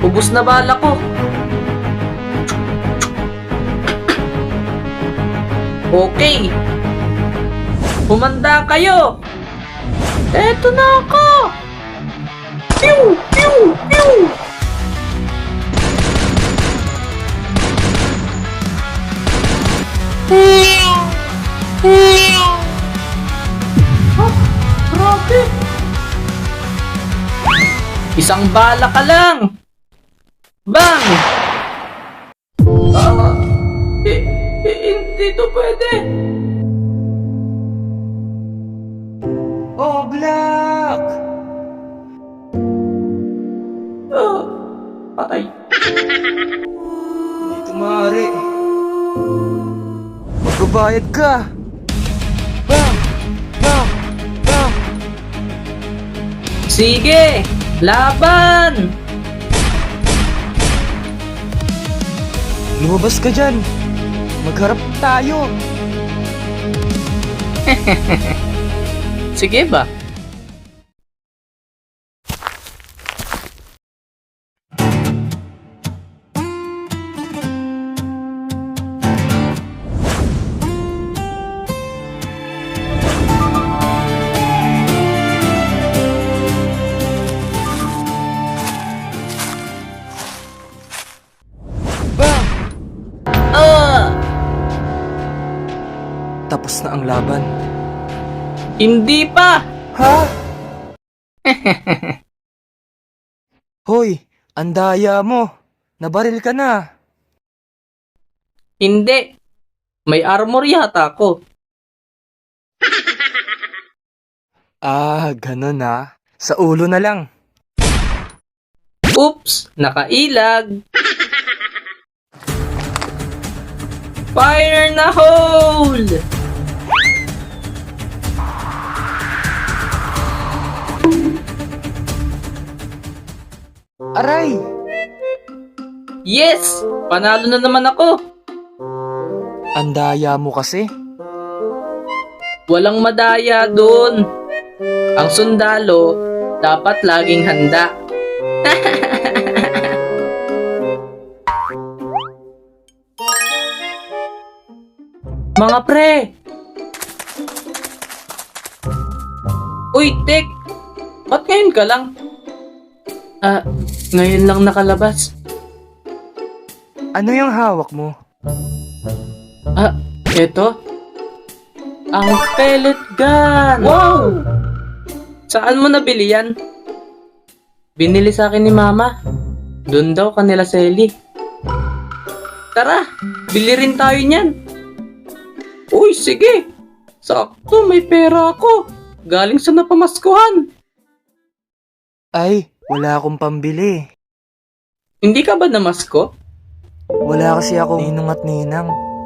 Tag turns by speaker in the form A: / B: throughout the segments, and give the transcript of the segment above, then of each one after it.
A: Ubus na bala ko. Okay. Humanda kayo. Eto na ako. Pew! Pew! Pew! Grabe. Isang bala ka lang. Bang! Hindi to pwede.
B: Oh, Black!
A: Patay.
B: Hindi ito maaari. Magbabayad ka! Bang! Bang! Bang!
A: Sige! Laban!
B: Lumabas ka dyan! Magharap tayo!
A: Sige ba?
B: Bang!
A: Ah!
B: Tapos na ang laban.
A: Hindi pa!
B: Ha? Hoy! Ang daya mo! Nabaril ka na!
A: Hindi. May armor yata ako.
B: Ah, ganun na. Sa ulo na lang.
A: Oops! Nakailag! Fire in the hole!
B: Aray!
A: Yes! Panalo na naman ako!
B: Ang daya mo kasi.
A: Walang madaya doon. Ang sundalo, dapat laging handa. Mga pre! Uy, Tek! Ba't ngayon ka lang? Ngayon lang nakalabas.
B: Ano yung hawak mo?
A: Eto? Ang pellet gun! Wow! Saan mo nabili yan? Binili sa akin ni Mama. Doon daw kanila Selly. Tara, bili rin tayo niyan. Uy, sige. Sakto, may pera ako. Galing sa napamaskuhan.
B: Ay, wala akong pambili.
A: Hindi ka ba namasko?
B: Wala kasi akong ninong at ninang.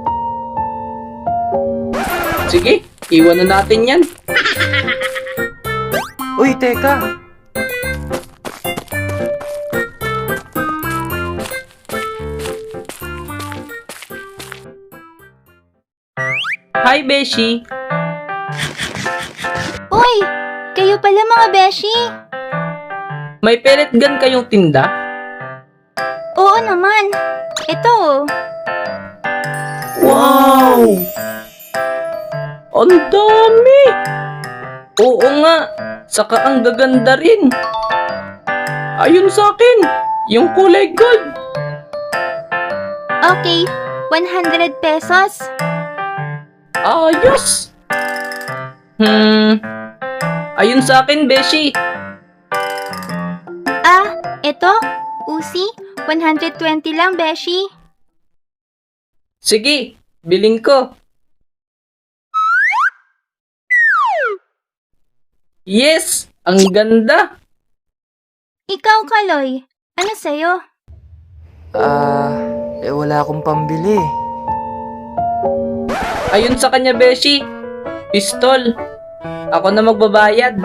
A: Sige, iwan na natin yan.
B: Uy, teka!
A: Hi, Beshi.
C: Uy! Kayo pala mga beshi!
A: May pellet gun kayong tinda?
C: Oo naman! Ito oh!
A: Wow! Ang dami! Oo nga, saka ang gaganda rin. Ayun sa akin, yung kulay gold.
C: Okay, 100 pesos.
A: Ayos! Ayun sa akin, Beshi.
C: Ito, Uzi, 120 lang beshi.
A: Sige, biling ko. Yes! Ang ganda!
C: Ikaw, Kaloy, ano sa'yo?
B: Wala akong pambili.
A: Ayun sa kanya, Beshi. Pistol. Ako na magbabayad.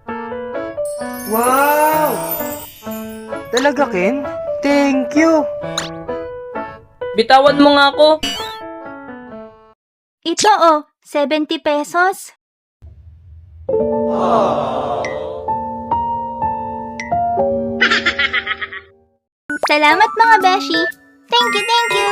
B: Wow! Talaga, Ken? Thank you!
A: Bitawan mo nga ako.
C: Ito oh, 70 pesos. Salamat mga beshi. Thank you, thank you.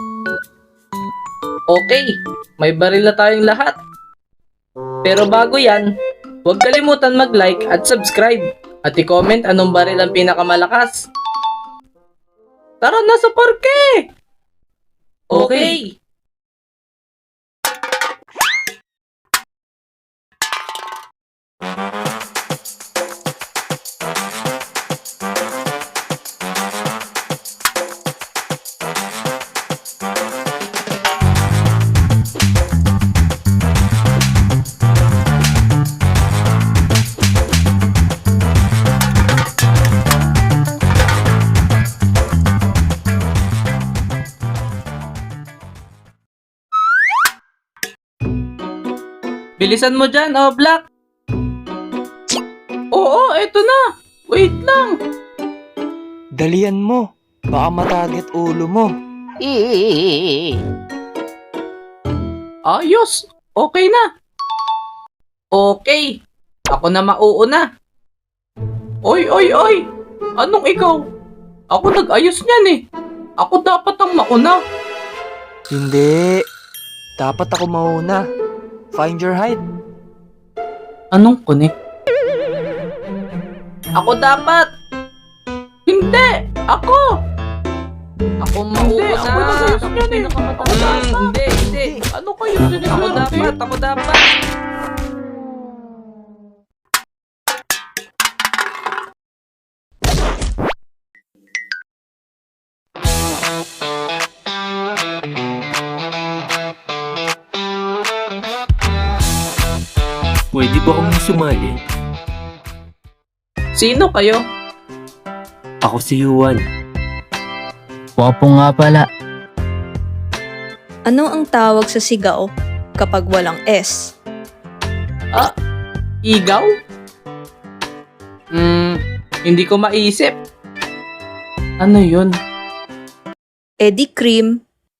A: Okay, may baril na tayong lahat. Pero bago yan, huwag kalimutan mag-like at subscribe. At i-comment anong baril ang pinakamalakas. Tara na sa parke! Okay. Bilisan mo dyan, oh Black. Oo, eto na. Wait lang.
B: Dalian mo. Baka mataget ulo mo.
A: Ayos. Okay na. Okay. Ako na mauuna. Oy, oy, oy. Anong ikaw? Ako nag-ayos niyan eh. Ako dapat ang mauna.
B: Hindi. Dapat ako mauna. Find your height.
A: Anong connect? Ako dapat. Hindi. Ako. Ako mauuna.
B: Hindi, ako nag-ayos niyan eh.
A: Hindi, hindi.
B: Ano kayo
A: Ako dapat, ako dapat.
D: Pwede ba akong sumali?
A: Sino kayo?
D: Ako si Juan.
E: Wapo nga pala.
F: Ano ang tawag sa sigaw kapag walang S?
A: Igaw? Hindi ko maisip. Ano yun?
F: Eddie Cream.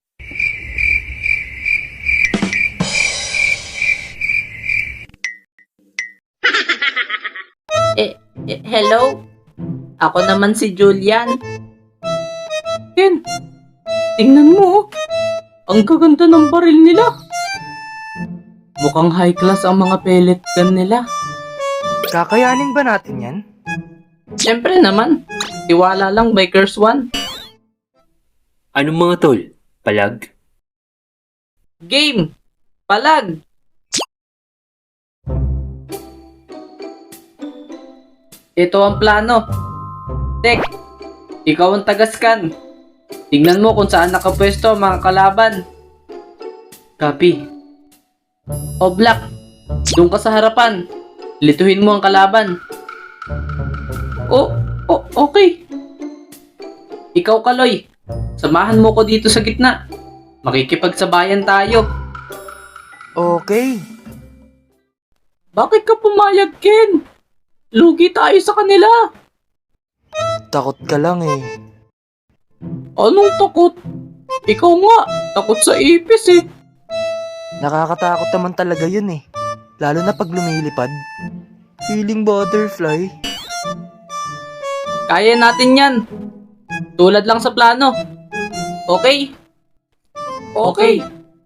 A: Hello? Ako naman si Julian. Ken, tingnan mo. Oh. Ang gaganda ng baril nila. Mukhang high class ang mga pellet gun nila.
B: Kakayanin ba natin yan?
A: Siyempre naman. Tiwala lang, Bikers One.
D: Anong mga tol? Palag?
A: Game! Palag! Ito ang plano. Tek, ikaw ang taga-scan. Tingnan mo kung saan nakapwesto ang mga kalaban. Copy. O Black, doon ka sa harapan. Lituhin mo ang kalaban. Okay. Ikaw, Kaloy, samahan mo ko dito sa gitna. Makikipagsabayan tayo.
B: Okay.
A: Bakit ka pumayag, Ken? Lugi tayo sa kanila.
B: Takot ka lang eh.
A: Anong takot? Ikaw nga, takot sa ipis eh.
B: Nakakatakot naman talaga yun eh. Lalo na pag lumilipad. Feeling butterfly.
A: Kaya natin yan. Tulad lang sa plano. Okay? Okay.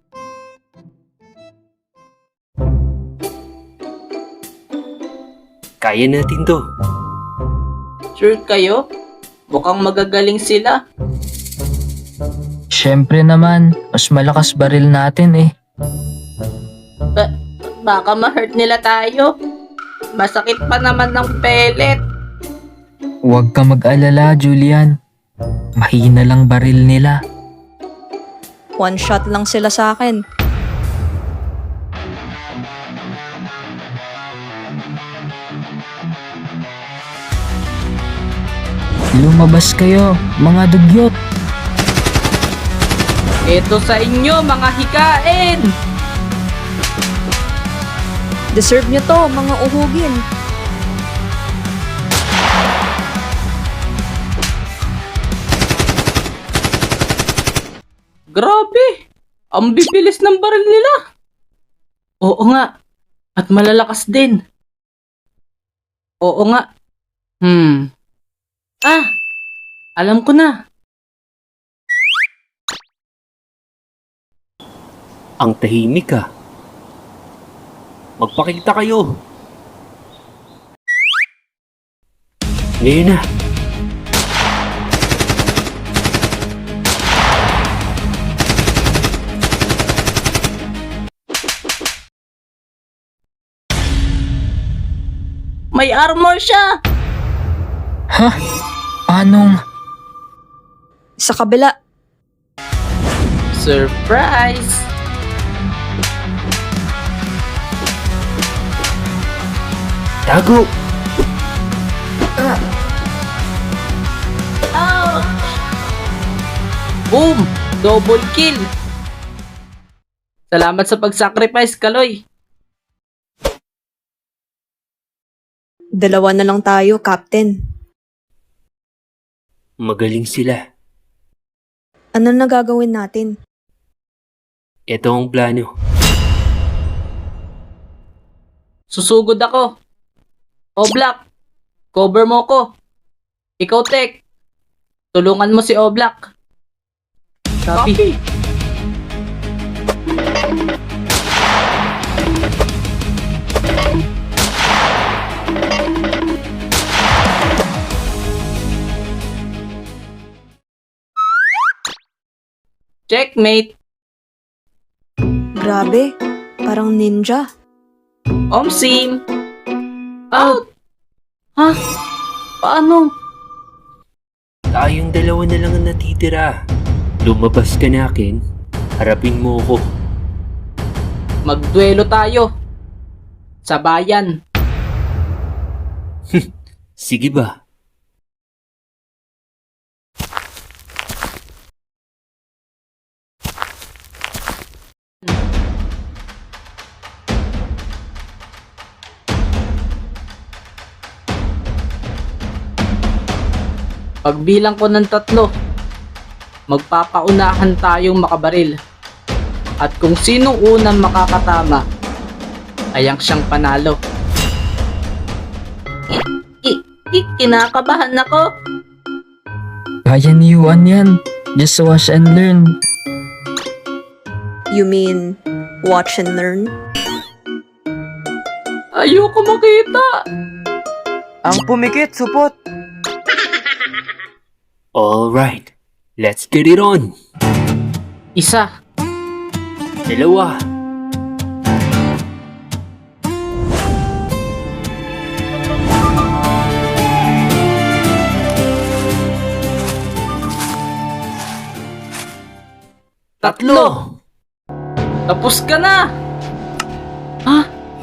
D: Kaya natin to.
A: Sure kayo? Mukhang magagaling sila.
E: Siyempre naman, mas malakas baril natin eh.
A: Baka ma-hurt nila tayo. Masakit pa naman ng pellet.
E: Huwag ka mag-alala, Julian. Mahina lang baril nila.
F: One shot lang sila sa akin.
E: Lumabas kayo, mga dugyot.
A: Ito sa inyo, mga hikain!
F: Deserve nyo to, mga uhugin.
A: Grabe! Ang bibilis ng baril nila! Oo nga. At malalakas din. Oo nga. Alam ko na.
D: Ang tahimik ka. Magpakita kayo. Ngayon na.
A: May armor siya!
E: Ha? Anong...
F: Sa kabila.
A: Surprise!
D: Tago!
A: Boom! Double kill! Salamat sa pag-sacrifice, Kaloy.
F: Dalawa na lang tayo, Captain.
D: Magaling sila.
F: Ano na gagawin natin?
D: Ito ang plano.
A: Susugod ako. Oblak, cover mo ko. Ikaw, Tek. Tulungan mo si Oblak. Copy. Checkmate.
F: Grabe, parang ninja.
A: Omsim. Out. Ha? Paano?
D: Tayong dalawa na lang ang natitira. Lumabas ka na akin. Harapin mo ako.
A: Magduelo tayo. Sa bayan.
D: Sige ba?
A: Pagbilang ko ng 3, magpapaunahan tayong makabaril. At kung sinong unang makakatama, ay ang siyang panalo. Kinakabahan ako.
E: Kaya ni Yuan yan. Just watch and learn.
F: You mean, watch and learn?
A: Ayoko makita.
B: Ang pumikit, supot!
D: Alright. Let's get it on.
A: Isa.
D: Dalawa.
A: Tatlo. Tapos ka na. Ha?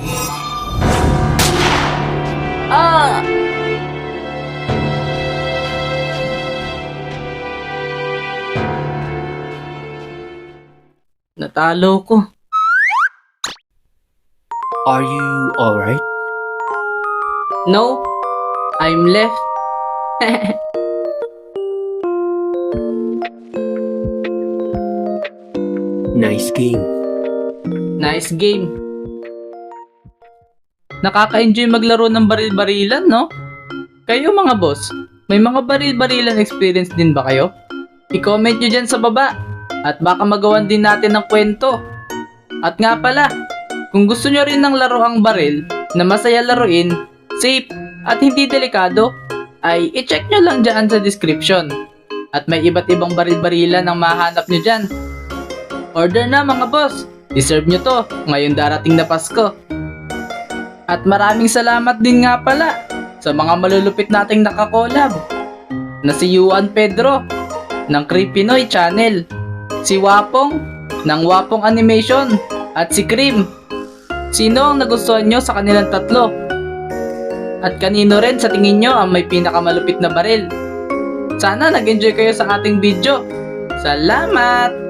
A: Ah! Natalo ko.
D: Are you alright?
A: No, I'm left.
D: Nice game.
A: Nice game. Nakaka-enjoy maglaro ng baril-barilan, no? Kayo mga boss, may mga baril-barilan experience din ba kayo? I-comment nyo dyan sa baba. At baka magawan din natin ng kwento. At nga pala, kung gusto nyo rin ng laro ang baril na masaya laruin, safe, at hindi delikado, ay i-check nyo lang dyan sa description. At may iba't ibang baril-barilan ang mahanap nyo dyan. Order na mga boss! Deserve nyo to ngayong darating na Pasko. At maraming salamat din nga pala sa mga malulupit nating nakakolab na si Yuan Pedro ng Creepinoy Channel, si Wapong ng Wapong Animation, at si Cream. Sino ang nagustuhan nyo sa kanilang 3? At kanino rin sa tingin nyo ang may pinakamalupit na baril? Sana nag-enjoy kayo sa ating video. Salamat!